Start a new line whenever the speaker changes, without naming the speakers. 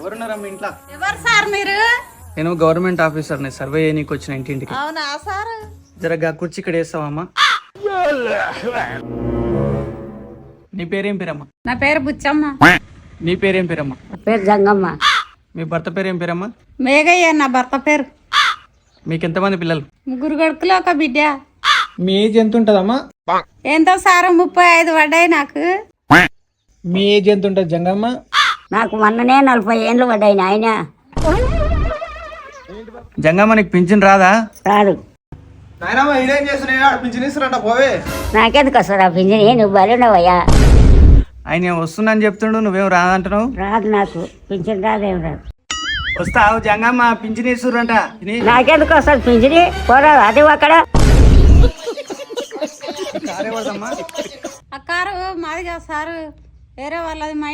ఎవరున్నారా మీ ఇంట్లో?
ఎవరు సార్ మీరు?
నేను గవర్నమెంట్ ఆఫీసర్ని, సర్వే చేయనీకి వచ్చిన ఇంటింటికి.
అవునా సార్?
జరగా కుర్చీ ఇక్కడ వేస్తావమ్మా. నీ పేరేం పేరమ్మా?
నా పేరు బుచ్చమ్మ.
నీ పేరేం పేరమ్మా?
పేరు జంగమ్మ.
మీ భర్త పేరేం పేరమ్మా?
మేఘయ్య నా భర్త పేరు.
మీకు ఎంతమంది పిల్లలు?
3 కొడుకులు 1 బిడ్డ.
మీ ఏజ్ ఎంత ఉంటుందమ్మా?
ఎంతో సార్ 35 పడ్డాయి నాకు.
మీ ఏజ్ ఎంత ఉంటుంది జంగమ్మ?
నాకు మొన్ననే 40 ఏళ్ళు పడ్డాయి నాయన.
జంగమ్మ నీకు పింఛన్ రాదా?
రాదు.
పోవే.
నాకెందుకు వస్తుంది ఆ పింఛని? నువ్వు బలుండవయ్యా.
ఆయన వస్తుందని చెప్తుండు, నువ్వేం రాదంటున్నావు?
రాదు, నాకు పింఛన్ రాదేం రాదు.
వస్తావు జంగమ్మ, పింఛన్ ఇస్తుర్రంట.
నాకెందుకు వస్తుంది పింఛని? పోరాదు అది అక్కడ.
ఆ కారు మాదిగా సారు, వేరే వాళ్ళది.